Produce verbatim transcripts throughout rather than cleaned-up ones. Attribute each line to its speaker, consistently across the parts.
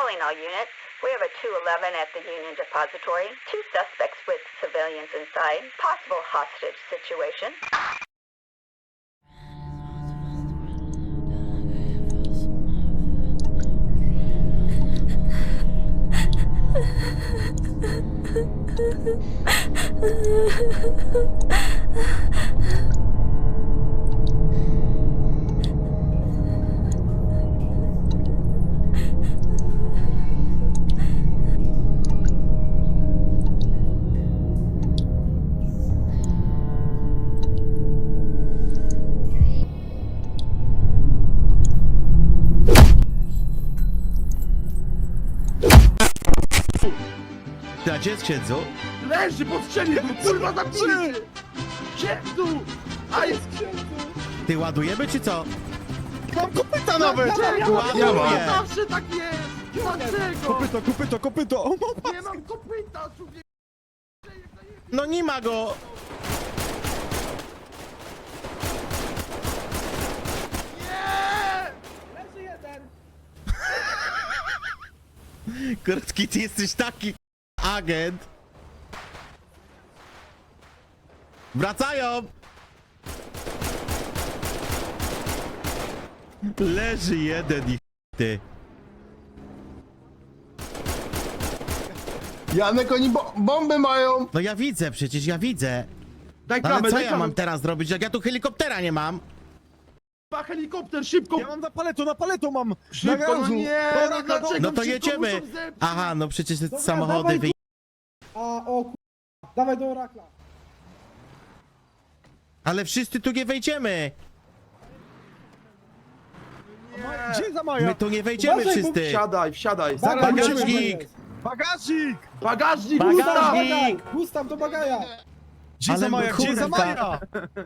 Speaker 1: Calling all units. We have a two eleven at the Union Depository. Two suspects with civilians inside. Possible hostage situation.
Speaker 2: A gdzie jest księdzu?
Speaker 3: Leży pod ścianie, kurwa zamknij się! Księdzu! A jest księdzu!
Speaker 2: Ty ładujemy czy co?
Speaker 4: Mam kopyta nawet!
Speaker 3: Ja mam,
Speaker 2: Ja
Speaker 3: ja
Speaker 2: mam.
Speaker 3: zawsze tak jest! Dlaczego?
Speaker 4: Kopyto, kopyto, kopyto! O, mama.
Speaker 3: Nie mam kopyta, człowiek!
Speaker 2: No nie ma go!
Speaker 3: Nie!
Speaker 5: Leży jeden!
Speaker 2: Krótki, ty jesteś taki agent. Wracają! Leży jeden i ty.
Speaker 4: Janek, oni bo bomby mają!
Speaker 2: No ja widzę przecież, ja widzę.
Speaker 3: Daj
Speaker 2: Ale
Speaker 3: klamę,
Speaker 2: co
Speaker 3: daj
Speaker 2: ja
Speaker 3: klamę!
Speaker 2: mam teraz zrobić, jak ja tu helikoptera nie mam?
Speaker 3: Ma helikopter, szybko!
Speaker 4: Ja mam na paleto, na paleto mam!
Speaker 3: Szybko,
Speaker 4: na
Speaker 3: no
Speaker 4: garażu.
Speaker 3: nie,
Speaker 4: Dobra,
Speaker 3: no
Speaker 4: no,
Speaker 3: dlaczego?
Speaker 2: No to
Speaker 3: Szybko
Speaker 2: jedziemy.
Speaker 3: muszą zepsuć.
Speaker 2: Aha, no przecież te
Speaker 5: Dobra,
Speaker 2: samochody
Speaker 5: dawaj,
Speaker 2: wy...
Speaker 5: A o ku... Dawaj do orakla.
Speaker 2: Ale wszyscy tu nie wejdziemy.
Speaker 4: Gdzie jest Amaja?
Speaker 2: My tu nie wejdziemy
Speaker 5: Uważaj, bo
Speaker 2: wszyscy.
Speaker 3: Wsiadaj, wsiadaj!
Speaker 5: Zaraz
Speaker 2: Bagażnik.
Speaker 5: bagażnik!
Speaker 4: Bagażnik!
Speaker 3: Bagażnik!
Speaker 2: Bagażnik.
Speaker 3: Gustaw!
Speaker 2: Bagażnik.
Speaker 5: Gustaw do bagaja!
Speaker 4: Gdzie jest
Speaker 2: Ale
Speaker 4: Amaja? Gdzie jest
Speaker 2: kurwa.
Speaker 4: Amaja?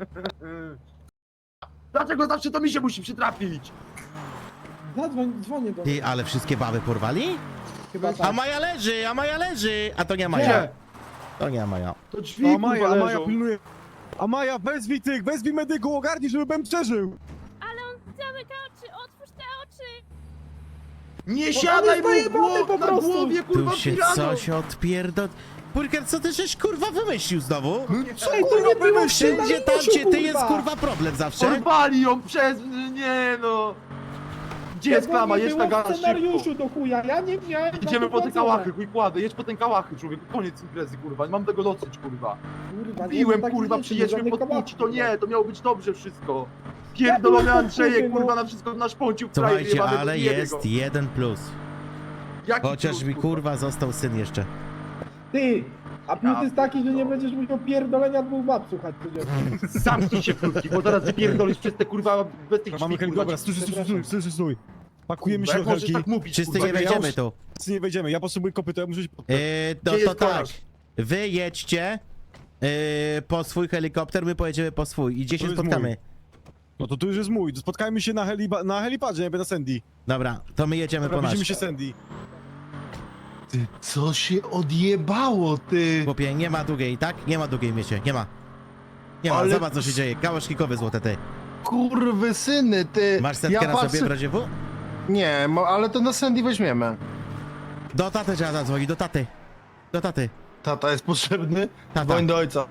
Speaker 3: Dlaczego zawsze to mi się musi przytrafić?
Speaker 5: Zadzwoń, dzwonię do
Speaker 2: Ty,
Speaker 5: niego.
Speaker 2: ale wszystkie baby porwali?
Speaker 5: Chyba
Speaker 2: A
Speaker 5: tak.
Speaker 2: Maja leży, a Maja leży. A to nie Maja.
Speaker 3: Gdzie?
Speaker 2: To nie Maja.
Speaker 3: To drzwi,
Speaker 4: No,
Speaker 3: kurwa,
Speaker 4: Amaja, Amaja
Speaker 3: leżą.
Speaker 4: pilnuje. Amaja, wezwij tych, wezwij medyku, ogarnij, żeby Ben przeżył!
Speaker 6: Ale on zamyka oczy, otwórz te oczy!
Speaker 3: Nie siadaj mu w
Speaker 5: zajebany
Speaker 3: głow,
Speaker 5: po
Speaker 3: na
Speaker 5: prostu.
Speaker 3: głowie, kurwa,
Speaker 2: Tu się
Speaker 3: pirano!
Speaker 2: coś odpierdol... Burger, co ty żeś kurwa wymyślił znowu?
Speaker 4: Co
Speaker 5: Ej, to nie było
Speaker 2: Wszędzie tam,
Speaker 5: scenariuszu,
Speaker 2: gdzie ty jest
Speaker 5: kurwa.
Speaker 2: kurwa problem zawsze.
Speaker 3: Porwali ją przez... nie no! Gdzie jest
Speaker 5: Tego
Speaker 3: klama?
Speaker 5: nie
Speaker 3: Jedź
Speaker 5: było
Speaker 3: na gaz,
Speaker 5: w
Speaker 3: szybko!
Speaker 5: scenariuszu do chuja, ja nie miałem.
Speaker 3: Idziemy po te
Speaker 5: zapowiedzone.
Speaker 3: kałachy, chuj kładę, jedź po ten kałachy, człowieku, koniec imprezy, kurwa, nie mam tego dosyć, kurwa.
Speaker 5: Kurwa, nie
Speaker 3: Piłem,
Speaker 5: ma takich
Speaker 3: kurwa,
Speaker 5: rzeczy,
Speaker 3: przyjedźmy
Speaker 5: żadnych
Speaker 3: pod
Speaker 5: kałachów,
Speaker 3: Puci, to nie,
Speaker 5: kurwa.
Speaker 3: to miało być dobrze wszystko. Pierdolony
Speaker 5: Ja byłem
Speaker 3: Andrzejek,
Speaker 5: pod Puci,
Speaker 3: kurwa,
Speaker 5: no.
Speaker 3: na wszystko naszpącił w kraju
Speaker 2: Słuchajcie,
Speaker 3: jebany,
Speaker 2: ale
Speaker 3: nie wie
Speaker 2: jest
Speaker 3: go.
Speaker 2: jeden plus.
Speaker 3: Jaki
Speaker 2: Chociaż
Speaker 3: plus,
Speaker 2: mi kurwa został syn jeszcze.
Speaker 5: Ty! A plus
Speaker 3: Ja
Speaker 5: jest taki, że nie będziesz musiał pierdolenia dwóch bab słuchać codziennie.
Speaker 3: Zamknij się, krótki, bo zaraz wypierdolisz przez te, kurwa, bez tych
Speaker 4: Mamy
Speaker 3: drzwi,
Speaker 4: helikopter,
Speaker 3: kurwa.
Speaker 4: stój, stój, stój, stój, stój, stój. Pakujemy się
Speaker 3: Jak
Speaker 4: do
Speaker 3: możesz
Speaker 4: helki.
Speaker 3: tak mówić,
Speaker 2: Wszyscy
Speaker 3: kurwa,
Speaker 2: nie
Speaker 4: ja
Speaker 2: wejdziemy
Speaker 4: już-
Speaker 2: tu.
Speaker 4: Wszyscy nie wejdziemy, ja potrzebuję kopyta, ja muszę się...
Speaker 2: Yy, no
Speaker 3: Gdzie
Speaker 2: to
Speaker 3: jest
Speaker 2: tak.
Speaker 3: kolarz?
Speaker 2: Wy jedźcie yy, po swój helikopter, my pojedziemy po swój. I gdzie
Speaker 4: To
Speaker 2: się
Speaker 4: jest
Speaker 2: spotkamy?
Speaker 4: mój. No to tu już jest mój, spotkajmy się na, heliba, na helipadzie, jakby na Sandy.
Speaker 2: Dobra, to my jedziemy
Speaker 4: Dobra,
Speaker 2: po nasz.
Speaker 4: widzimy się Sandy.
Speaker 7: Ty, co się odjebało, ty?
Speaker 2: Chłopie, nie ma długiej, tak? Nie ma długiej miecie, nie ma. Nie ma,
Speaker 7: Ale-
Speaker 2: zobacz co się dzieje. Kałaszkikowe złote ty.
Speaker 7: Kurwy syny, ty.
Speaker 2: Masz setkę na
Speaker 7: patrzę-
Speaker 2: sobie w razie W?
Speaker 7: Nie, mo- ale to na Sandy weźmiemy.
Speaker 2: Do taty trzeba zadzwonić, do taty. Do taty.
Speaker 7: Tata jest potrzebny?
Speaker 2: Tata.
Speaker 7: Dzwoń do ojca.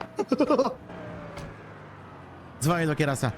Speaker 2: Dzwonię do kierasa.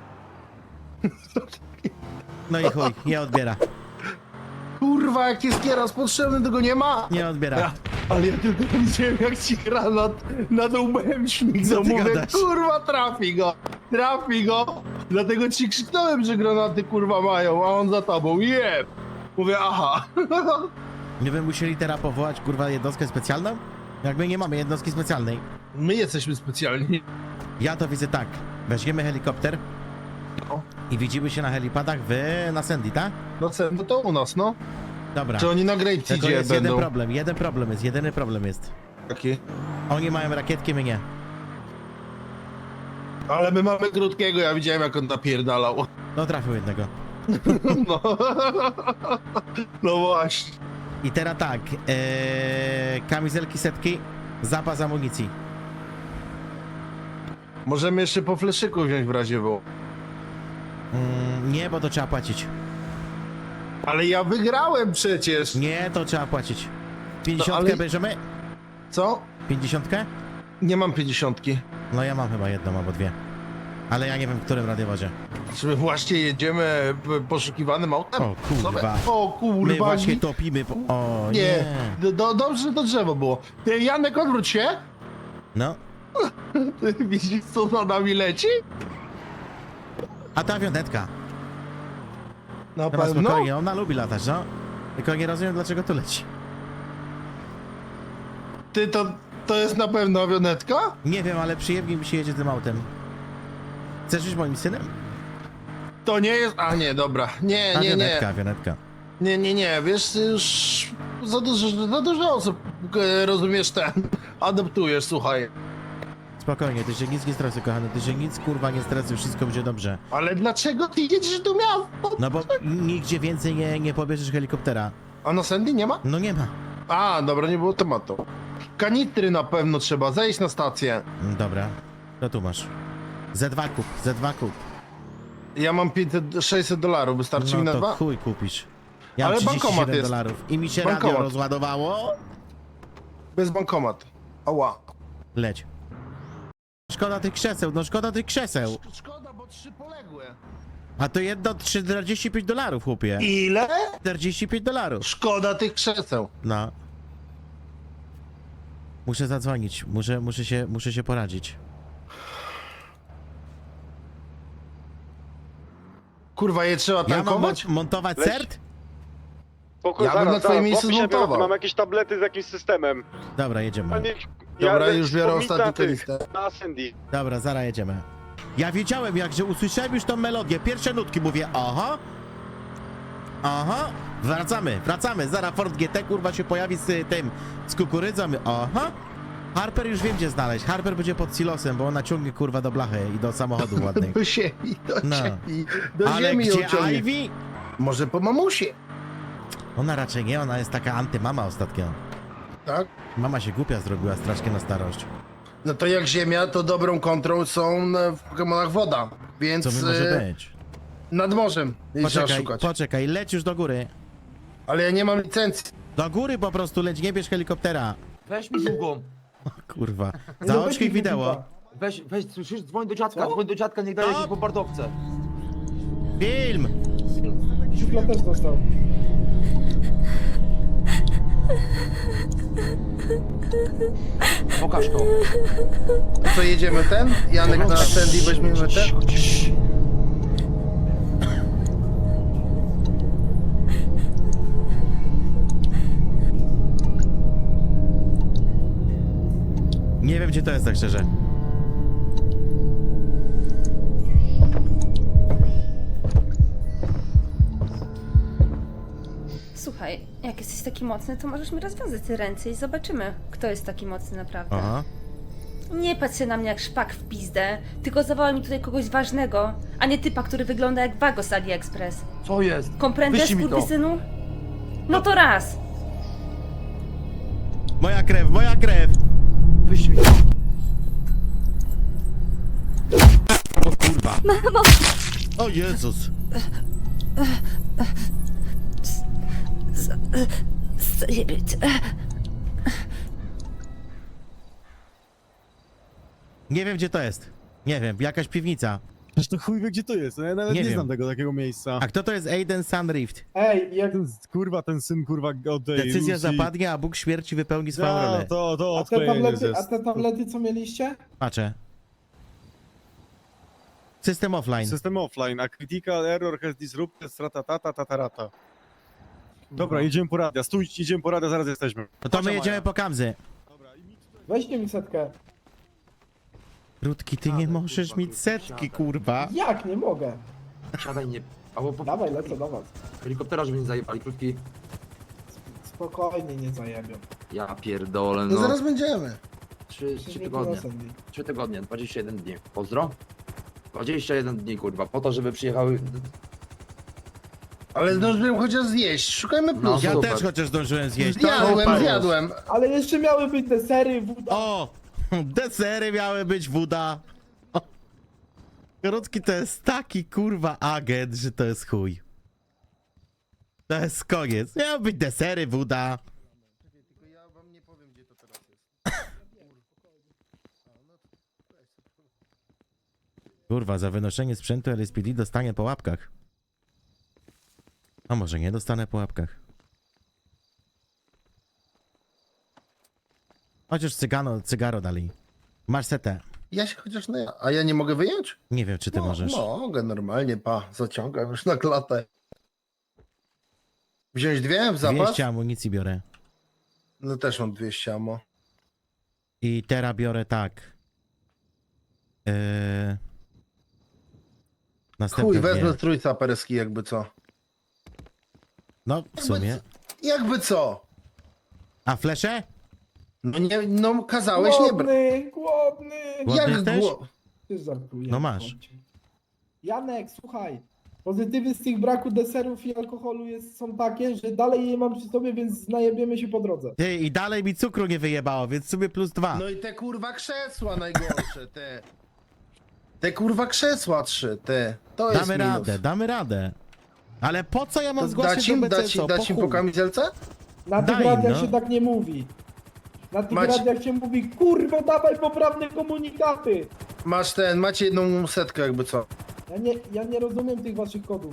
Speaker 2: No i chuj, nie odbiera.
Speaker 7: Kurwa, jak jest kieras potrzebny, tego nie ma.
Speaker 2: Nie odbiera.
Speaker 7: Ja, ale ja tylko widziałem, jak ci granat nad łbem śmigał.
Speaker 2: Co ty
Speaker 7: Mówię,
Speaker 2: gadasz?
Speaker 7: kurwa, trafi go, trafi go. Dlatego ci krzyknąłem, że granaty, kurwa, mają, a on za tobą, jeb. Mówię, aha.
Speaker 2: Nie by musieli teraz powołać kurwa jednostkę specjalną? Jak my nie mamy jednostki specjalnej.
Speaker 7: My jesteśmy specjalni.
Speaker 2: Ja to widzę tak. Weźmiemy helikopter
Speaker 7: No.
Speaker 2: i widzimy się na helipadach w na Sandy, tak?
Speaker 7: No co, no to u nas, no.
Speaker 2: Dobra.
Speaker 7: Czy oni na Great
Speaker 2: Tylko
Speaker 7: Seedzie
Speaker 2: jest
Speaker 7: będą?
Speaker 2: jeden problem, jeden problem jest, jedyny problem jest.
Speaker 7: Taki.
Speaker 2: Oni mają rakietki, my nie.
Speaker 7: Ale my mamy krótkiego, ja widziałem, jak on napierdalał.
Speaker 2: No trafił jednego.
Speaker 7: No, no właśnie.
Speaker 2: I teraz tak, ee, kamizelki setki, zapas amunicji.
Speaker 7: Możemy jeszcze po fleszyku wziąć w razie W.
Speaker 2: Mm, nie, bo to trzeba płacić.
Speaker 7: Ale ja wygrałem przecież.
Speaker 2: Nie, to trzeba płacić. Pięćdziesiątkę
Speaker 7: ale-
Speaker 2: bierzemy?
Speaker 7: Co?
Speaker 2: Pięćdziesiątkę?
Speaker 7: Nie mam pięćdziesiątki.
Speaker 2: No ja mam chyba jedną albo dwie. Ale ja nie wiem, w którym radiowozie.
Speaker 7: Czy my właśnie jedziemy p- poszukiwanym autem?
Speaker 2: O kurwa.
Speaker 7: O kurwa.
Speaker 2: My właśnie
Speaker 7: ni-
Speaker 2: topimy po... O
Speaker 7: Nie,
Speaker 2: nie.
Speaker 7: Do, do, dobrze, że to drzewo było. Ty, Janek, odwróć się.
Speaker 2: No.
Speaker 7: Ty widzisz, co za nami leci?
Speaker 2: A ta wionetka.
Speaker 7: Na
Speaker 2: Chyba
Speaker 7: pewno.
Speaker 2: spokojnie, ona lubi latać, no. Tylko nie rozumiem, dlaczego tu leci.
Speaker 7: Ty, to, to jest na pewno awionetka?
Speaker 2: Nie wiem, ale przyjemnie mi się jedzie tym autem. Chcesz być moim synem?
Speaker 7: To nie jest... A nie, dobra. Nie, nie,
Speaker 2: Awionetka,
Speaker 7: nie.
Speaker 2: awionetka.
Speaker 7: Nie, nie, nie. Wiesz, ty już za dużo, za dużo osób, e, rozumiesz, ten, adoptujesz, słuchaj.
Speaker 2: Spokojnie, ty się nic nie stresuj, kochany. Ty się nic, kurwa, nie stresuj, wszystko będzie dobrze.
Speaker 7: Ale dlaczego ty jedziesz do miasta?
Speaker 2: No bo nigdzie więcej nie, nie pobierzesz helikoptera.
Speaker 7: A na Sandy nie ma?
Speaker 2: No nie ma.
Speaker 7: A, dobra, nie było tematu. Kanitry na pewno trzeba, zejść na stację.
Speaker 2: Mm, Dobra, to tu masz. Z dwa kup, Z dwa kup.
Speaker 7: Ja mam pięćset, sześćset dolarów, wystarczy mi
Speaker 2: No
Speaker 7: na
Speaker 2: to
Speaker 7: dwa?
Speaker 2: chuj kupisz. Ja mam
Speaker 7: Ale
Speaker 2: trzydzieści
Speaker 7: bankomat
Speaker 2: siedem
Speaker 7: jest.
Speaker 2: dolarów i mi się
Speaker 7: Bankomat.
Speaker 2: radio rozładowało.
Speaker 7: Bez bankomat. Ała.
Speaker 2: Leć. Szkoda tych krzeseł, no szkoda tych krzeseł.
Speaker 7: Szkoda, bo trzy poległe.
Speaker 2: A to jedno czterdzieści pięć dolarów, chłopie.
Speaker 7: Ile?
Speaker 2: czterdzieści pięć dolarów.
Speaker 7: Szkoda tych krzeseł.
Speaker 2: No. Muszę zadzwonić, muszę, muszę się, muszę się poradzić.
Speaker 7: Kurwa, je trzeba
Speaker 2: Ja mam
Speaker 7: tankować?
Speaker 2: mon- montować
Speaker 8: Leć.
Speaker 2: cert?
Speaker 8: Spoko,
Speaker 7: Ja bym
Speaker 8: zaraz,
Speaker 7: na twoim
Speaker 8: zaraz,
Speaker 7: miejscu
Speaker 8: złapię się, biorę,
Speaker 7: zmontował.
Speaker 8: Mam jakieś tablety z jakimś systemem.
Speaker 2: Dobra,
Speaker 8: A
Speaker 2: jedziemy.
Speaker 8: nie,
Speaker 7: Dobra,
Speaker 8: leć
Speaker 7: już biorę
Speaker 8: wspomnieć
Speaker 7: ostatnią
Speaker 8: na tych,
Speaker 7: listę.
Speaker 8: Na Sandy.
Speaker 2: Dobra, zaraz jedziemy. Ja wiedziałem, jak że usłyszałem już tą melodię, pierwsze nutki, mówię, aha, aha, wracamy, wracamy, zaraz Ford G T, kurwa, się pojawi z y, tym, z kukurydzą, aha. Harper już wiem, gdzie znaleźć, Harper będzie pod silosem, bo ona ciągnie, kurwa, do blachy i do samochodu ładnej.
Speaker 7: Do ziemi, do
Speaker 2: No.
Speaker 7: ziemi. Do
Speaker 2: Ale
Speaker 7: ziemi ją
Speaker 2: gdzie
Speaker 7: ciągnie.
Speaker 2: Ivy?
Speaker 7: Może po mamusie,
Speaker 2: Ona raczej nie, ona jest taka antymama ostatnio.
Speaker 7: tak?
Speaker 2: Mama się głupia zrobiła strasznie na starość.
Speaker 7: No to jak ziemia, to dobrą kontrą są e, w Pokemonach woda. Więc
Speaker 2: Co by może
Speaker 7: e,
Speaker 2: być?
Speaker 7: nad morzem jej trzeba
Speaker 2: Poczekaj,
Speaker 7: szukać.
Speaker 2: poczekaj, leć już do góry.
Speaker 7: Ale ja nie mam licencji.
Speaker 2: Do góry po prostu leć, nie bierz helikoptera.
Speaker 9: Weź mi długą.
Speaker 2: Kurwa.
Speaker 5: Nie
Speaker 2: Zaoczkaj
Speaker 5: dobyć mi
Speaker 2: wideo.
Speaker 5: kupipa.
Speaker 9: Weź, weź, słyszysz? Dzwoń do dziadka,
Speaker 5: Co?
Speaker 9: dzwoń do dziadka, niech daje
Speaker 2: Stop!
Speaker 9: jakieś bombardowce.
Speaker 2: Film!
Speaker 5: Szufla też dostał.
Speaker 9: Pokaż to.
Speaker 7: Co jedziemy ten? Janek na Sandy weźmiemy ten?
Speaker 2: Nie wiem, gdzie to jest, tak szczerze.
Speaker 10: Słuchaj, jak jesteś taki mocny, to możesz mi rozwiązać te ręce i zobaczymy, kto jest taki mocny naprawdę.
Speaker 2: Aha.
Speaker 10: Nie patrz się na mnie jak szpak w pizdę, tylko zawołaj mi tutaj kogoś ważnego, a nie typa, który wygląda jak Wago z AliExpress.
Speaker 9: Co jest?
Speaker 10: Komprendes,
Speaker 9: Wyślij mi to.
Speaker 10: kurwysynu? No to raz!
Speaker 2: Moja krew, moja krew!
Speaker 9: Wyślij mi to.
Speaker 2: O kurwa. Mamo! O Jezus!
Speaker 10: Zajebać.
Speaker 2: Nie wiem, gdzie to jest. Nie wiem, jakaś piwnica.
Speaker 4: Przecież to chuj wie, gdzie to jest. Ja nawet
Speaker 2: Nie
Speaker 4: nie,
Speaker 2: wiem.
Speaker 4: znam tego takiego miejsca.
Speaker 2: A kto to jest Aiden Sun Rift?
Speaker 5: Ej, jak...
Speaker 4: Ten, kurwa, ten syn, kurwa, od tej
Speaker 2: Decyzja
Speaker 4: Lucy.
Speaker 2: zapadnie, a Bóg śmierci wypełni swoją
Speaker 4: Ja,
Speaker 2: rolę.
Speaker 4: to, to
Speaker 5: A te,
Speaker 4: odklejenie
Speaker 5: tablety,
Speaker 4: jest.
Speaker 5: a te tablety, co mieliście?
Speaker 2: Patrzę. System offline.
Speaker 4: System offline, a critical error has disrupted stratatata tatarata. Dobra, idziemy po radę. Stój, idziemy po radę, zaraz jesteśmy.
Speaker 2: No to my
Speaker 4: Chodź,
Speaker 2: jedziemy
Speaker 4: Maja.
Speaker 2: po Kamzy.
Speaker 4: Dobra, i mi tutaj-
Speaker 5: Weźcie mi setkę.
Speaker 2: Rudki, ty nie możesz mieć setki, kurwa.
Speaker 5: Jak? Nie mogę.
Speaker 9: Siadaj, nie. Albo po
Speaker 5: Dawaj, lecę do was.
Speaker 9: helikoptera, żeby nie zajebali. Krótki.
Speaker 5: Spokojnie, nie zajebią.
Speaker 9: Ja pierdolę,
Speaker 7: No
Speaker 9: no.
Speaker 7: zaraz będziemy.
Speaker 9: Trzy,
Speaker 5: Przecież
Speaker 9: trzy
Speaker 5: mnie
Speaker 9: tygodnie.
Speaker 5: tu Sandy.
Speaker 9: Trzy tygodnie, dwadzieścia jeden dni. Pozdro? dwadzieścia jeden dni, kurwa, po to, żeby przyjechały...
Speaker 7: Ale zdążyłem chociaż zjeść. Szukajmy
Speaker 9: No,
Speaker 7: plusów.
Speaker 2: Ja
Speaker 9: super.
Speaker 2: też chociaż zdążyłem zjeść. To
Speaker 7: Zjadłem,
Speaker 2: pauz.
Speaker 7: zjadłem.
Speaker 5: Ale jeszcze miały być desery, woda.
Speaker 2: O! Desery miały być, woda. O. Rudki to jest taki kurwa agent, że to jest chuj. To jest koniec. Miały być desery, woda.
Speaker 7: Tylko ja wam nie powiem, gdzie to teraz jest.
Speaker 2: Kurwa, za wynoszenie sprzętu L S P D dostanie po łapkach. A może nie dostanę po łapkach. Chociaż cygano, cygaro dali. Masz setę.
Speaker 7: Ja się chociaż nie... A ja nie mogę wyjąć?
Speaker 2: Nie wiem, czy ty
Speaker 7: no,
Speaker 2: możesz.
Speaker 7: Mogę, normalnie, pa, zaciągam już na klatę. Wziąć dwie w zapas?
Speaker 2: dwieście amunicji biorę.
Speaker 7: No też mam dwieście amo.
Speaker 2: I teraz biorę tak. Yy... Następne
Speaker 7: Chuj,
Speaker 2: dwie.
Speaker 7: wezmę trójca perski, jakby co.
Speaker 2: No, w sumie.
Speaker 7: Jakby co?
Speaker 2: A flesze?
Speaker 7: No nie, no kazałeś nie brać.
Speaker 5: Głodny, głodny.
Speaker 2: Głodny
Speaker 7: Jak
Speaker 2: jesteś?
Speaker 7: gło...
Speaker 5: Ty żartujesz.
Speaker 2: No masz.
Speaker 5: chłopcze. Janek, słuchaj. Pozytywy z tych braku deserów i alkoholu jest, są takie, że dalej je mam przy sobie, więc najebiemy się po drodze.
Speaker 2: Ty, i dalej mi cukru nie wyjebało, więc sobie plus dwa.
Speaker 7: No i te kurwa krzesła najgorsze, te. Te kurwa krzesła trzy, te. To jest
Speaker 2: Damy
Speaker 7: minus.
Speaker 2: radę, damy radę. Ale po co ja mam
Speaker 7: To
Speaker 2: zgłaszać
Speaker 7: dać
Speaker 2: do
Speaker 7: im,
Speaker 2: B C S
Speaker 7: dać,
Speaker 2: O?
Speaker 7: im- dać im
Speaker 2: chuj.
Speaker 7: po kamizelce?
Speaker 5: Na tych
Speaker 2: Daj,
Speaker 5: radiach
Speaker 2: no.
Speaker 5: się tak nie mówi. Na tych
Speaker 7: Macie-
Speaker 5: radiach się mówi, kurwa, dawaj poprawne komunikaty.
Speaker 7: Masz ten, macie jedną setkę jakby co.
Speaker 5: Ja nie, ja nie rozumiem tych waszych kodów.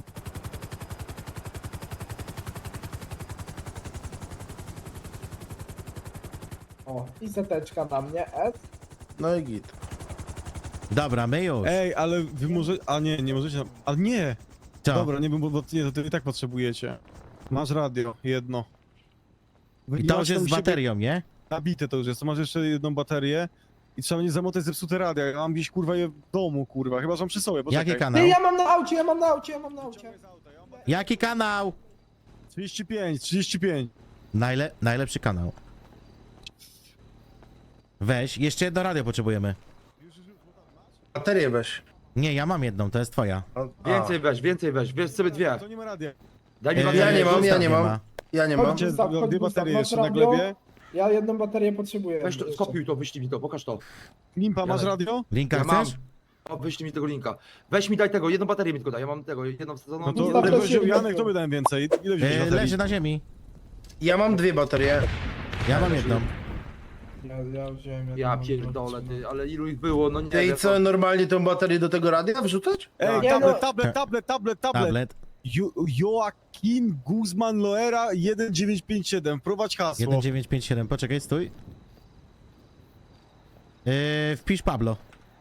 Speaker 5: O, i seteczka na mnie, S.
Speaker 7: No i git.
Speaker 2: Dobra, my już.
Speaker 4: Ej, ale wy może... A nie, nie możecie... Ale nie!
Speaker 2: Co?
Speaker 4: Dobra, nie, bo, bo nie, to ty i tak potrzebujecie. Masz radio, jedno. Wy-
Speaker 2: I
Speaker 4: ja
Speaker 2: to
Speaker 4: mam
Speaker 2: już
Speaker 4: tam
Speaker 2: jest
Speaker 4: u
Speaker 2: z
Speaker 4: siebie-
Speaker 2: baterią, nie?
Speaker 4: Nabite to już jest, to masz jeszcze jedną baterię i trzeba nie zamotać zepsute radia. Ja mam gdzieś kurwa je w domu, kurwa, chyba że mam przy sobie, poczekaj.
Speaker 2: Jaki kanał?
Speaker 5: Ty, ja mam na aucie, ja mam na aucie, ja mam na aucie.
Speaker 2: Jaki kanał?
Speaker 4: trzydzieści pięć, trzydzieści pięć.
Speaker 2: Najle najlepszy kanał. Weź, jeszcze jedno radio potrzebujemy.
Speaker 7: Baterię weź.
Speaker 2: Nie, ja mam jedną, to jest twoja.
Speaker 7: A,
Speaker 9: Więcej weź, więcej weź, weź sobie dwie.
Speaker 4: To nie ma radia.
Speaker 9: Daj mi
Speaker 2: Eee,
Speaker 9: baterię.
Speaker 7: ja nie mam, ja
Speaker 2: Gustaw
Speaker 7: nie mam. Ja nie mam.
Speaker 5: Chodź,
Speaker 4: Macie
Speaker 5: Gustaw, chodź,
Speaker 4: dwie
Speaker 5: Gustaw,
Speaker 4: baterie
Speaker 5: masz
Speaker 4: jeszcze na
Speaker 5: radio?
Speaker 4: glebie.
Speaker 5: Ja jedną baterię potrzebuję.
Speaker 9: Weź to,
Speaker 5: jeszcze.
Speaker 9: skopiuj to, wyślij mi to, pokaż to.
Speaker 4: Limpa, masz
Speaker 9: Janek.
Speaker 4: radio?
Speaker 2: Linka
Speaker 9: Ja mam.
Speaker 2: chcesz?
Speaker 9: O, wyślij mi tego linka. Weź mi daj tego, jedną baterię mi tylko daj, ja mam tego, jedną wsadzoną.
Speaker 4: No to
Speaker 5: Gustaw,
Speaker 4: ale
Speaker 5: to
Speaker 4: weź,
Speaker 5: się
Speaker 4: Janek,
Speaker 5: wydaje.
Speaker 4: to by dałem więcej. Ile wziąłeś
Speaker 2: E,
Speaker 4: baterii?
Speaker 2: leży na ziemi.
Speaker 7: Ja mam dwie baterie.
Speaker 2: Ja mam jedną.
Speaker 5: Ja, ja wziąłem jedną,
Speaker 9: Ja pierdolę ty, ale ilu ich było, no nie
Speaker 7: Ty i
Speaker 9: wiem,
Speaker 7: co, normalnie tą baterię do tego radia wrzucać?
Speaker 4: Ej,
Speaker 5: Nie,
Speaker 4: tablet,
Speaker 5: no.
Speaker 4: tablet, tablet, tablet, tablet.
Speaker 2: Tablet.
Speaker 4: Jo Joaquin Guzman Loera jeden dziewięć pięć siedem. Prowadź hasło.
Speaker 2: jeden dziewięć pięć siedem, poczekaj, stój. Yy, wpisz Pablo.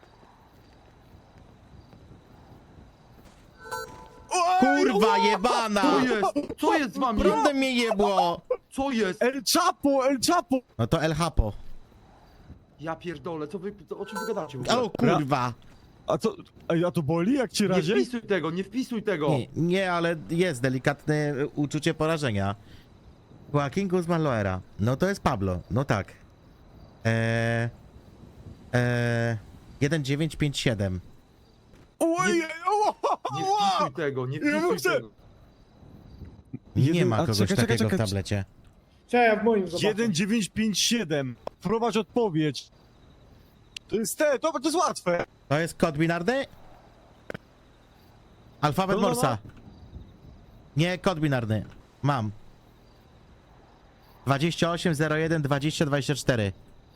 Speaker 2: Kurwa jebana!
Speaker 9: Co jest? Co jest z wami?
Speaker 2: Prawda mnie jebło!
Speaker 9: Co jest?
Speaker 4: El Chapo, El Chapo.
Speaker 2: No to El Hapo.
Speaker 9: Ja pierdolę, co wy, to, o czym wy gadacie w ogóle?
Speaker 2: O kurwa!
Speaker 4: A co, ej, a to boli jak ci
Speaker 9: Nie
Speaker 4: razie?
Speaker 9: wpisuj tego, nie wpisuj tego!
Speaker 2: Nie, nie, ale jest delikatne uczucie porażenia. Joaquin Guzman Loera. No to jest Pablo, no tak. Eee... Eee... jeden dziewięć pięć siedem.
Speaker 4: Oj,
Speaker 9: Nie wpisuj tego, nie
Speaker 4: Ja
Speaker 9: wpisuj
Speaker 4: muszę-
Speaker 9: tego.
Speaker 2: Nie
Speaker 4: Jeden-
Speaker 2: ma
Speaker 4: a
Speaker 2: kogoś
Speaker 4: czekaj, czekaj,
Speaker 2: takiego
Speaker 4: czekaj,
Speaker 2: w tablecie.
Speaker 5: Czy ja w moim zobaczę.
Speaker 4: jeden dziewięć pięć siedem. Prowadź odpowiedź. To jest te, to, to jest łatwe.
Speaker 2: To jest kod binarny? Alfabet
Speaker 4: No, no, no.
Speaker 2: Morsa. Nie, kod binarny. Mam. dwadzieścia osiem zero jeden dwadzieścia dwadzieścia cztery.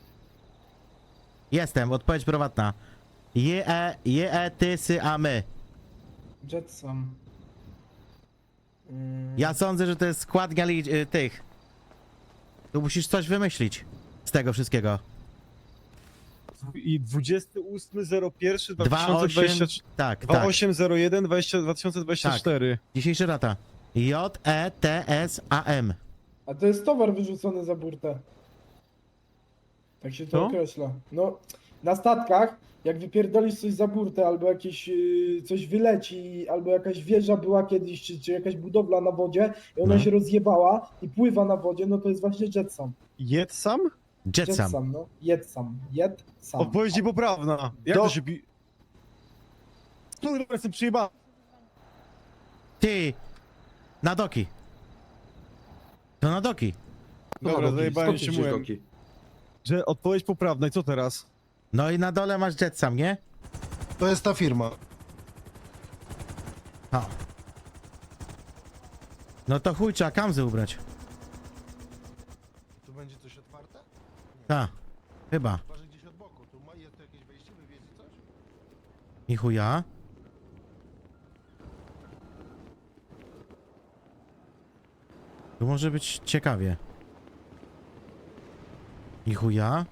Speaker 2: Jestem, odpowiedź prywatna. Je, e, je, e, ty, sy, a my.
Speaker 5: Jetsam. Mm,
Speaker 2: Ja sądzę, że to jest składnia li- y, tych. Tu musisz coś wymyślić z tego wszystkiego.
Speaker 4: I dwudziestego ósmego zero pierwszego dwa
Speaker 2: dwa
Speaker 4: tysiące
Speaker 2: osiem.
Speaker 4: dwudziestego
Speaker 2: Tak,
Speaker 4: dwa
Speaker 2: tak.
Speaker 4: osiem zero jeden dwa tysiące dwadzieścia cztery.
Speaker 2: Dzisiejsza data. J, E, T, S, A, M.
Speaker 5: A to jest towar wyrzucony za burtę. Tak się to
Speaker 4: Co?
Speaker 5: określa. No, na statkach, jak wypierdolisz coś za burtę, albo jakieś yy, coś wyleci, albo jakaś wieża była kiedyś, czy, czy jakaś budowla na wodzie i ona
Speaker 2: No.
Speaker 5: się rozjebała i pływa na wodzie, no to jest właśnie jetsam.
Speaker 4: Jed sam?
Speaker 2: Jetsam.
Speaker 5: Jetsam, no. Jetsam. Jetsam.
Speaker 4: Odpowiedź niepoprawna. Jak
Speaker 7: Do-
Speaker 4: to się pi... Kurwa, jestem przyjebany.
Speaker 2: Ty! Na doki. To na doki.
Speaker 4: Dobra,
Speaker 9: Doki,
Speaker 4: zajebałem
Speaker 9: skąd
Speaker 4: się
Speaker 9: ty wziąłeś
Speaker 4: mułem.
Speaker 9: doki?
Speaker 4: Że odpowiedź poprawna i co teraz?
Speaker 2: No i na dole masz Jetsam, nie?
Speaker 7: To jest ta firma.
Speaker 2: O. No to chuj, trzeba kamzy ubrać.
Speaker 7: Tu będzie coś otwarte?
Speaker 2: Ta, chyba.
Speaker 7: Chyba, że gdzieś od boku. Tu ma, jest tu jakieś wejście, wy wiecie coś?
Speaker 2: I chuja. Tu może być ciekawie. I chuja.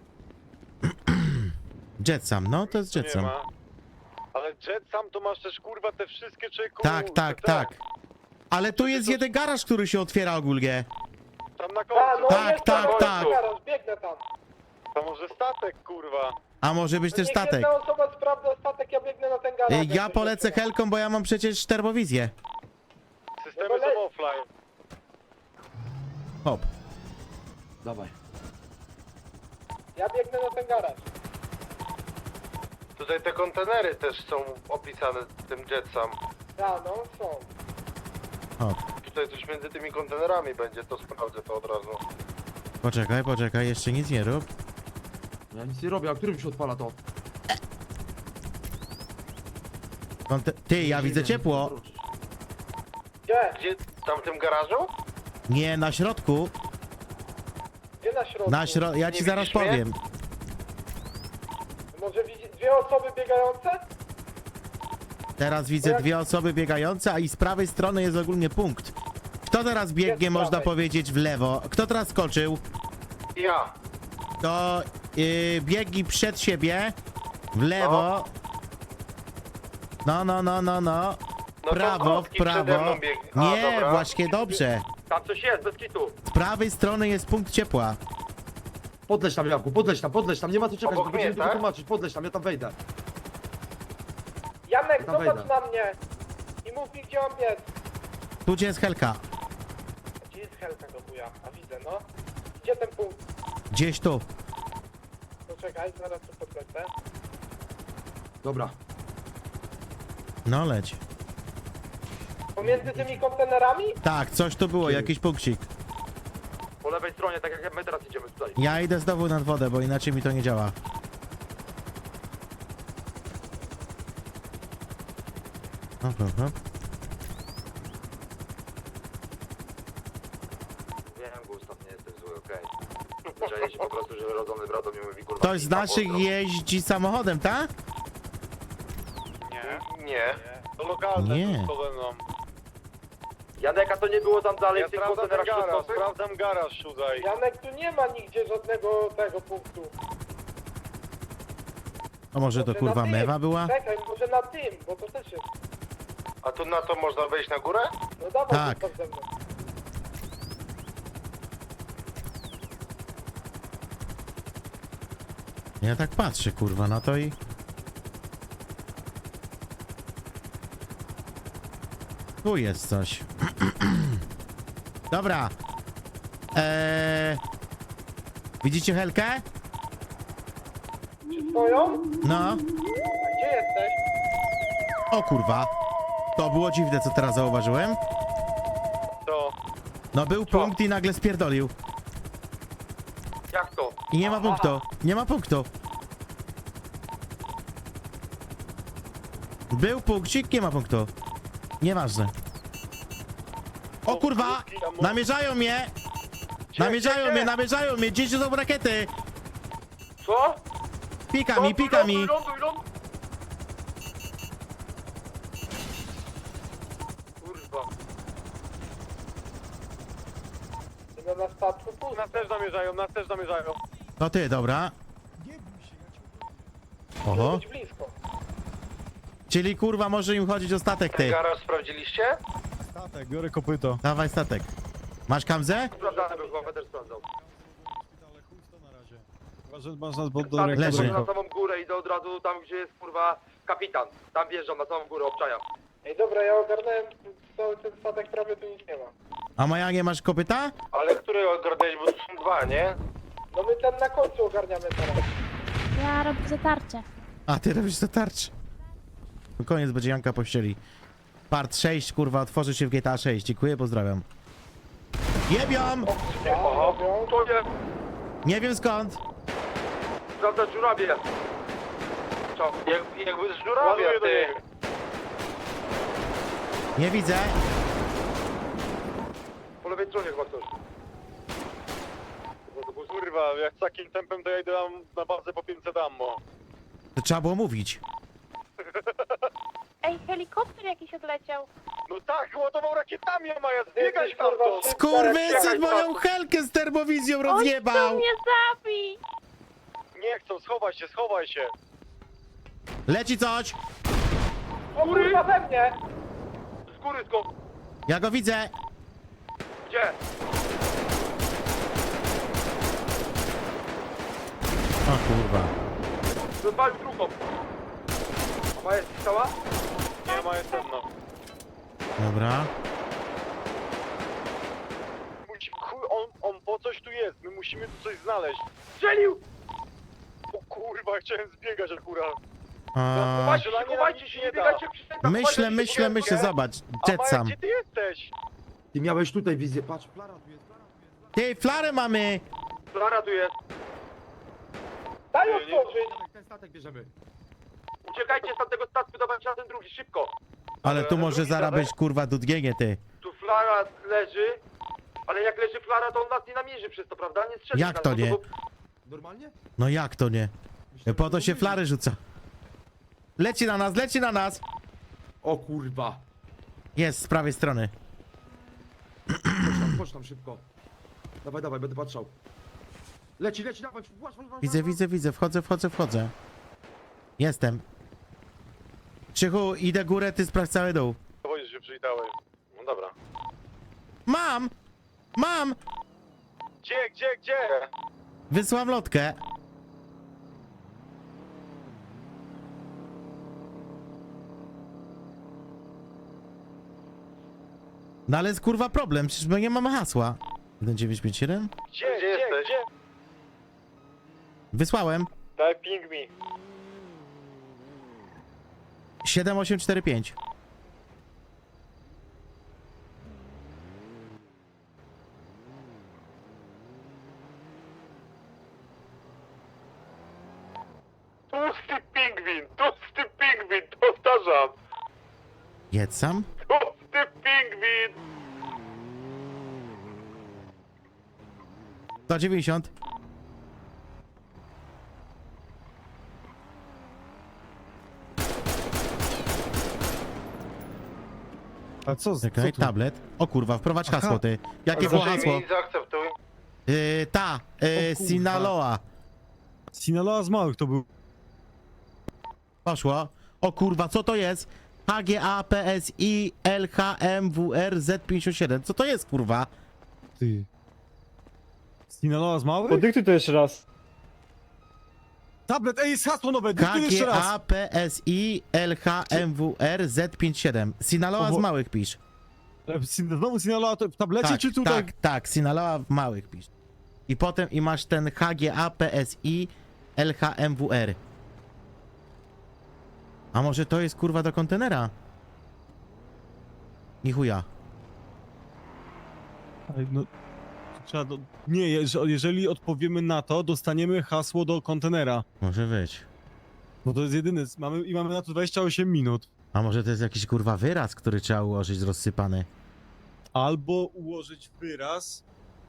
Speaker 2: Jetsam, no to jest
Speaker 8: Tu nie
Speaker 2: Jetsam.
Speaker 8: ma. Ale Jet sam to masz też kurwa te wszystkie czeku.
Speaker 2: Tak, tak,
Speaker 8: te-
Speaker 2: tak. Ale tu jest jeden garaż, który się otwiera ogólnie.
Speaker 8: Tam na
Speaker 5: A,
Speaker 8: końcu.
Speaker 5: no
Speaker 2: Tak,
Speaker 5: jest
Speaker 2: tak,
Speaker 5: tam
Speaker 2: tak.
Speaker 5: garaż, biegnę tam.
Speaker 8: To może statek kurwa.
Speaker 2: A może być
Speaker 5: To
Speaker 2: też
Speaker 5: niech
Speaker 2: statek.
Speaker 5: jedna osoba sprawdza statek, ja biegnę na ten garaż.
Speaker 2: Y,
Speaker 5: jak
Speaker 2: Ja
Speaker 5: coś
Speaker 2: polecę
Speaker 5: otwiera.
Speaker 2: helką, bo ja mam przecież termowizję.
Speaker 8: Systemy
Speaker 5: No bo le-
Speaker 8: są offline.
Speaker 2: Hop.
Speaker 9: Dawaj.
Speaker 5: Ja biegnę na ten garaż.
Speaker 7: Tutaj te kontenery też są opisane tym Jetsam.
Speaker 5: A, no są.
Speaker 2: Hop.
Speaker 7: Tutaj coś między tymi kontenerami będzie, to sprawdzę to od razu.
Speaker 2: Poczekaj, poczekaj, jeszcze nic nie rób.
Speaker 9: Ja nic nie robię, a którym się odpala to?
Speaker 2: Konte- Ty, ja widzę ciepło.
Speaker 5: Gdzie?
Speaker 7: Gdzie? Tam w tym garażu?
Speaker 2: Nie, na środku.
Speaker 5: Gdzie na środku?
Speaker 2: Na śro... Ja ci
Speaker 7: Nie
Speaker 2: zaraz
Speaker 7: widzisz mnie?
Speaker 2: powiem.
Speaker 5: Może widzi dwie osoby biegające?
Speaker 2: Teraz widzę dwie osoby biegające, a i z prawej strony jest ogólnie punkt. Kto teraz biegnie,
Speaker 5: Jest z
Speaker 2: można
Speaker 5: prawej.
Speaker 2: powiedzieć, w lewo? Kto teraz skoczył?
Speaker 7: Ja.
Speaker 2: To yy, biegi przed siebie, w lewo. No, no, no, no, no.
Speaker 7: No to
Speaker 2: Prawo, w
Speaker 7: krótki przede
Speaker 2: prawo.
Speaker 7: mną biegnie. A,
Speaker 2: Nie,
Speaker 7: dobra.
Speaker 2: właśnie dobrze.
Speaker 9: Tam coś jest, bez kitu.
Speaker 2: Z prawej strony jest punkt ciepła.
Speaker 9: Podleć tam, Jawku, podleć tam, podleć tam, nie ma co czekać,
Speaker 7: Obok
Speaker 9: bo będziemy
Speaker 7: mnie,
Speaker 9: tylko
Speaker 7: tak?
Speaker 9: tłumaczyć, podleć tam, ja tam wejdę.
Speaker 5: Janek,
Speaker 9: Ja tam
Speaker 5: zobacz
Speaker 9: wejdę.
Speaker 5: na mnie. I mów mi, gdzie mam biec.
Speaker 2: Tu gdzie jest Helka?
Speaker 5: Gdzie jest helka do chuja? A widzę, no. Gdzie ten punkt?
Speaker 2: Gdzieś tu.
Speaker 5: Poczekaj, zaraz tu podlecę.
Speaker 9: Dobra.
Speaker 2: No leć.
Speaker 5: Pomiędzy tymi kontenerami?
Speaker 2: Tak, coś tu było, jakiś punkcik.
Speaker 9: Po lewej stronie, tak jak my teraz idziemy tutaj.
Speaker 2: Ja idę znowu nad wodę, bo inaczej mi to nie działa. Hop, hop, hop.
Speaker 9: Wiem, Gustaw, nie jesteś zły, okej. Zwyczajnie się po prostu, że rodzony brat mi mówi, kurwa...
Speaker 2: Ktoś z
Speaker 9: pipa,
Speaker 2: naszych
Speaker 9: pozdro.
Speaker 2: jeździ samochodem, tak?
Speaker 8: Nie.
Speaker 7: Nie.
Speaker 8: To lokalne
Speaker 2: Nie.
Speaker 8: tu ze mną.
Speaker 9: Janeka to nie było tam dalej
Speaker 8: Ja
Speaker 9: w tych
Speaker 8: sprawdzam ten
Speaker 9: kontenerach
Speaker 8: garaż,
Speaker 9: środkowych?
Speaker 8: sprawdzam garaż tutaj.
Speaker 5: Janek, tu nie ma nigdzie żadnego tego punktu.
Speaker 2: A może to
Speaker 5: Może
Speaker 2: kurwa
Speaker 5: na tym.
Speaker 2: mewa była?
Speaker 5: Czekaj, może na tym, bo to też jest.
Speaker 7: A tu na to można wejść na górę?
Speaker 5: No dawaj,
Speaker 2: Tak.
Speaker 5: zostaw ze mną.
Speaker 2: Ja tak patrzę kurwa na to i... Tu jest coś. Dobra. Eee... Widzicie Helkę?
Speaker 5: Twoją?
Speaker 2: No.
Speaker 5: A gdzie jesteś?
Speaker 2: O kurwa. To było dziwne, co teraz zauważyłem.
Speaker 8: To.
Speaker 2: No był punkt i nagle spierdolił.
Speaker 9: Jak to?
Speaker 2: I nie ma punktu. Nie ma punktu. Był punkcik, nie ma punktu. Nieważne. O kurwa! Namierzają mnie! Namierzają mnie, namierzają mnie! Gdzieś są rakiety!
Speaker 9: Co?
Speaker 2: Pika mi, pika mi!
Speaker 9: Ląduj, ląduj! Kurwa.
Speaker 5: No na statku pusto.
Speaker 8: Nas też zamierzają, nas też zamierzają.
Speaker 2: To ty, dobra. Oho.
Speaker 5: Być blisko.
Speaker 2: Czyli kurwa może im chodzić o statek,
Speaker 7: Ten
Speaker 2: ty.
Speaker 7: garaż sprawdziliście?
Speaker 4: Statek, biorę kopyto.
Speaker 2: Dawaj statek. Masz kamzę?
Speaker 9: Sprawdzany był, chyba też sprawdzał.
Speaker 4: Ale chuj w to na razie. Chyba, że masz nas pod do
Speaker 9: Statek
Speaker 2: Leży.
Speaker 9: leży. Na samą górę, idę od razu tam, gdzie jest kurwa kapitan. Tam wjeżdżam na samą górę, obczajam.
Speaker 5: Ej, dobra, ja ogarnąłem cały ten statek, prawie tu nic nie ma.
Speaker 2: A Maja, nie masz kopyta?
Speaker 7: Ale który ogarnęłeś, bo tu są dwa, nie?
Speaker 5: No my ten na końcu ogarniamy teraz.
Speaker 6: Ja robię zatarcie.
Speaker 2: A, ty robisz to tarcz. To koniec będzie Janka pościeli. Part sześć, kurwa, otworzy się w G T A sześć. Dziękuję, pozdrawiam. Jebiam!
Speaker 5: Oho,
Speaker 9: To nie,
Speaker 2: Nie wiem skąd.
Speaker 9: sprawdzać żurawie. Co?
Speaker 7: Jak, jakby z żurawia,
Speaker 8: Ładuję do
Speaker 7: ty.
Speaker 8: niego.
Speaker 2: Nie widzę.
Speaker 7: lewej stronie chyba ktoś.
Speaker 8: No to kurwa, jak takim tempem to ja idę tam na bazę po pięćset ammo.
Speaker 2: To trzeba było mówić.
Speaker 6: Ej, helikopter jakiś odleciał.
Speaker 8: No tak, ładował rakietami, a Maja, zbiegać stamtąd!
Speaker 2: Skurwysyn moją helkę z termowizją
Speaker 6: Chcą
Speaker 2: rozjebał!
Speaker 6: mnie zabić!
Speaker 8: Nie chcą, schowaj się, schowaj się!
Speaker 2: Leci coś!
Speaker 3: O kurwa we mnie!
Speaker 8: Z góry skąd?
Speaker 2: Ja go widzę!
Speaker 8: Gdzie?
Speaker 2: O kurwa.
Speaker 8: Wypalił drugą.
Speaker 3: A Maja jest cała?
Speaker 8: Nie ma, jestem no.
Speaker 2: Dobra.
Speaker 8: Musi, chuj, on, on po coś tu jest, my musimy tu coś znaleźć.
Speaker 3: Strzelił!
Speaker 8: O kurwa, chciałem zbiegać akurat.
Speaker 2: A,
Speaker 3: Chowajcie się, chowajcie się, nie biegajcie przy tym.
Speaker 2: myślę, myślę, myślę, zobacz.
Speaker 8: A
Speaker 2: Jet
Speaker 8: Maja,
Speaker 2: sam.
Speaker 8: gdzie ty jesteś?
Speaker 9: Ty miałeś tutaj wizję, patrz, flara tu jest, flara tu jest.
Speaker 2: Ty, flarę mamy!
Speaker 3: Flara tu jest. Daj
Speaker 8: Nie, nie,
Speaker 3: otworzyć!
Speaker 9: Statek, ten statek bierzemy.
Speaker 3: Uciekajcie z tamtego statku, dawajcie na ten drugi, szybko.
Speaker 2: Ale tu może
Speaker 8: drugi
Speaker 2: zaraz
Speaker 8: statek?
Speaker 2: być kurwa dudgienie, ty.
Speaker 3: Tu Flara leży, ale jak leży Flara, to on nas nie namierzy przez to, prawda? Nie strzeli
Speaker 2: Jak
Speaker 3: nas,
Speaker 2: to
Speaker 3: no
Speaker 2: nie?
Speaker 3: bo-
Speaker 9: Normalnie?
Speaker 2: No jak to nie? Po to się flary rzuca. Leci na nas, leci na nas!
Speaker 9: O kurwa.
Speaker 2: Jest, z prawej strony.
Speaker 9: Chodź tam, chodź tam szybko. Dawaj, dawaj, będę patrzał. Leci, leci, dawaj, właź, właź, właź,
Speaker 2: Widzę,
Speaker 9: właź.
Speaker 2: widzę, widzę, wchodzę, wchodzę, wchodzę. Jestem. Krzychu, idę górę, ty sprawdź cały dół.
Speaker 8: Powiedzieć, że przywitałeś. No dobra.
Speaker 2: Mam! Mam!
Speaker 8: Gdzie, gdzie, gdzie?
Speaker 2: Wysłam lotkę. No ale jest kurwa problem, przecież my nie mamy hasła. jeden dziewięć pięć jeden?
Speaker 8: Gdzie, gdzie jesteś? Gdzie?
Speaker 2: Wysłałem.
Speaker 8: Daj ping mi.
Speaker 2: siedem osiem cztery pięć.
Speaker 8: Tłusty pingwin, tłusty pingwin, powtarzam.
Speaker 2: Jedz sam.
Speaker 8: Tłusty pingwin.
Speaker 2: sto dziewięćdziesiąt.
Speaker 4: A co, z- co
Speaker 2: Czekaj,
Speaker 4: tu?
Speaker 2: tablet. O kurwa, wprowadź
Speaker 4: Aha.
Speaker 2: hasło, ty. Jakie było hasło?
Speaker 8: zaakceptuj.
Speaker 2: Yy, ta, yy,
Speaker 4: O kurwa.
Speaker 2: Sinaloa.
Speaker 4: Sinaloa z małych to był.
Speaker 2: Poszło. O kurwa, co to jest? H G A P S I L H M W R Z pięćdziesiąt siedem. Co to jest kurwa?
Speaker 4: Ty. Sinaloa z małych?
Speaker 3: Podyktuj to jeszcze raz.
Speaker 4: Tablet, ej, jest hasło nowe,
Speaker 2: H
Speaker 4: dyktuj jeszcze
Speaker 2: G
Speaker 4: raz.
Speaker 2: A P S I L H M W R Z pięćdziesiąt siedem. Sinaloa z
Speaker 4: Oho.
Speaker 2: małych pisz.
Speaker 4: E, Sin- Znowu Sinaloa to w tablecie
Speaker 2: Tak,
Speaker 4: czy tutaj?
Speaker 2: tak, tak, Sinaloa w małych pisz. I potem i masz ten H G A P S I L H M W R. A może to jest kurwa do kontenera? Ni chuja.
Speaker 4: Ej, no, trzeba do... Nie, jeż- jeżeli odpowiemy na to, dostaniemy hasło do kontenera.
Speaker 2: Może być.
Speaker 4: No to jest jedyny, mamy, i mamy na to dwadzieścia osiem minut.
Speaker 2: A może to jest jakiś kurwa wyraz, który trzeba ułożyć rozsypany?
Speaker 4: Albo ułożyć wyraz,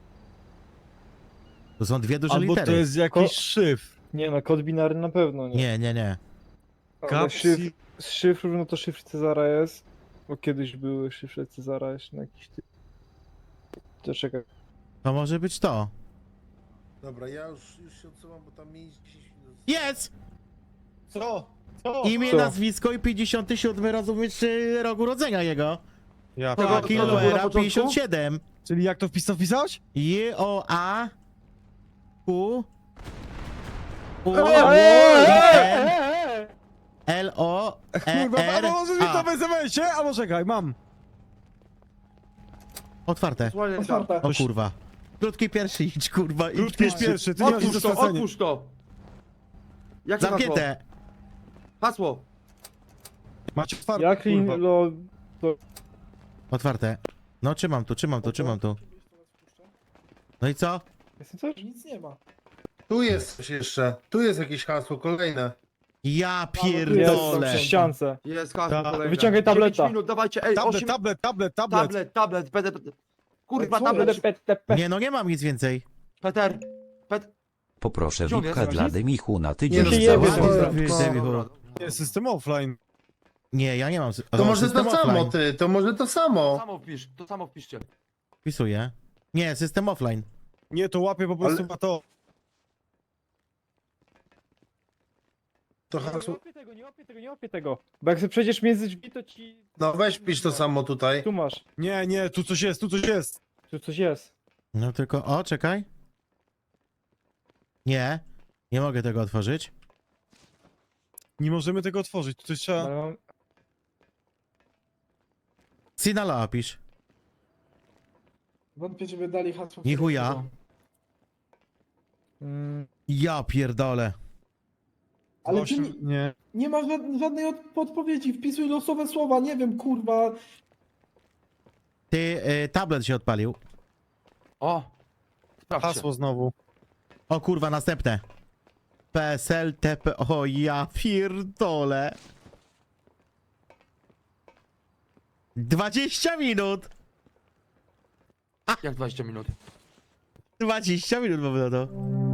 Speaker 2: To są dwie duże
Speaker 4: albo
Speaker 2: litery.
Speaker 4: to jest jakiś szyfr.
Speaker 3: Nie no, kod binarny na pewno nie.
Speaker 2: Nie, nie, nie.
Speaker 3: Ale
Speaker 4: Kapsi...
Speaker 3: szyfr, z szyfru, no to szyfr Cezara jest. Bo kiedyś były szyfry Cezara jeszcze na jakiś ty... To czekaj.
Speaker 2: To może być to.
Speaker 11: Dobra, ja już, już się odsuwam, bo tam mi dziesięć minut.
Speaker 2: Jest!
Speaker 4: Co? Co?
Speaker 2: Imię,
Speaker 3: Co?
Speaker 2: nazwisko i pięćdziesiąty siódmy rozumiesz y, rok urodzenia jego.
Speaker 4: Ja
Speaker 9: Tego-
Speaker 2: Tak,
Speaker 9: to było na
Speaker 2: Killuera
Speaker 9: początku?
Speaker 2: pięćdziesiąt siedem.
Speaker 4: Czyli jak to wpis wpisałeś?
Speaker 2: J O A U U N L O E
Speaker 4: Kurwa,
Speaker 2: R
Speaker 4: albo możesz mi to
Speaker 2: A.
Speaker 4: w es em esie? Albo czekaj, mam.
Speaker 2: Otwarte.
Speaker 9: Słuchaj,
Speaker 5: Otwarte.
Speaker 2: O kurwa. Krótki pierwszy idź kurwa. idź
Speaker 4: Krótki
Speaker 2: pierwszy.
Speaker 4: pierwszy, ty nie masz nic do
Speaker 9: Otwórz to,
Speaker 4: stracenia.
Speaker 9: otwórz to. Jakie hasło?
Speaker 2: Zamknięte.
Speaker 9: Hasło.
Speaker 4: Macie otwarte,
Speaker 3: Jaklin,
Speaker 4: kurwa.
Speaker 3: lo...
Speaker 2: Otwarte. No trzymam tu, trzymam tu, trzymam tu. No i co?
Speaker 3: Jestem coś?
Speaker 5: Nic nie ma.
Speaker 11: Tu jest coś jeszcze. Tu jest jakieś hasło, kolejne.
Speaker 2: Ja
Speaker 3: Jest
Speaker 2: pierdolę.
Speaker 3: przy ściance.
Speaker 9: Jest hasło
Speaker 4: Ta-
Speaker 9: kolejne.
Speaker 3: Wyciągaj tableta.
Speaker 9: dziewięć minut, dawajcie, ej,
Speaker 4: Tablet,
Speaker 9: osiem...
Speaker 4: tablet, tablet, tablet.
Speaker 9: tablet, tablet, będę... Kurwa,
Speaker 5: Co
Speaker 9: tablet.
Speaker 5: jest?
Speaker 9: szybko.
Speaker 3: P T P.
Speaker 2: Nie no, nie mam nic więcej.
Speaker 9: Peter. Pet...
Speaker 12: Poproszę
Speaker 9: Gdzie on
Speaker 12: wipka
Speaker 9: jest?
Speaker 12: dla Demichu na
Speaker 11: Nie
Speaker 12: tydzień.
Speaker 11: no,
Speaker 3: się
Speaker 12: za
Speaker 3: jebie,
Speaker 12: łapę.
Speaker 3: dobra.
Speaker 2: Debichu.
Speaker 4: Nie, system offline.
Speaker 2: Nie, ja nie mam. sy-
Speaker 7: To
Speaker 2: o,
Speaker 7: może
Speaker 2: system
Speaker 7: to samo,
Speaker 2: offline.
Speaker 7: ty, to może to
Speaker 9: To
Speaker 7: samo.
Speaker 9: samo wpisz, to samo wpiszcie.
Speaker 2: Wpisuję. Nie, system offline.
Speaker 4: Nie, to łapie po prostu
Speaker 7: Ale-
Speaker 4: na to.
Speaker 11: To
Speaker 3: Nie
Speaker 11: hasło...
Speaker 3: łapię tego, nie łapię tego, nie łapię tego. Bo jak sobie przejdziesz między drzwi, to ci...
Speaker 11: No weź pisz to samo tutaj.
Speaker 3: Tu masz,
Speaker 4: Nie, nie, tu coś jest, tu coś jest.
Speaker 3: tu coś jest.
Speaker 2: No tylko, o, czekaj. Nie, nie mogę tego otworzyć.
Speaker 4: Nie możemy tego otworzyć, tu coś trzeba...
Speaker 3: Ale mam...
Speaker 2: Sinala opisz.
Speaker 5: Wątpię, żeby dali hasło.
Speaker 2: Ni chuja.
Speaker 3: Mm,
Speaker 2: Ja pierdolę.
Speaker 5: Ale
Speaker 4: Osiem-
Speaker 5: ty nie,
Speaker 4: Nie.
Speaker 5: nie ma żad- żadnej od- podpowiedzi, wpisuj losowe słowa, nie wiem, kurwa.
Speaker 2: Ty, y, tablet się odpalił.
Speaker 9: O! Sprawdźcie.
Speaker 4: Hasło znowu.
Speaker 2: O kurwa, następne. P S L T P. O ja pierdolę. dwadzieścia minut.
Speaker 9: Jak dwadzieścia minut?
Speaker 2: dwadzieścia minut mamy na to.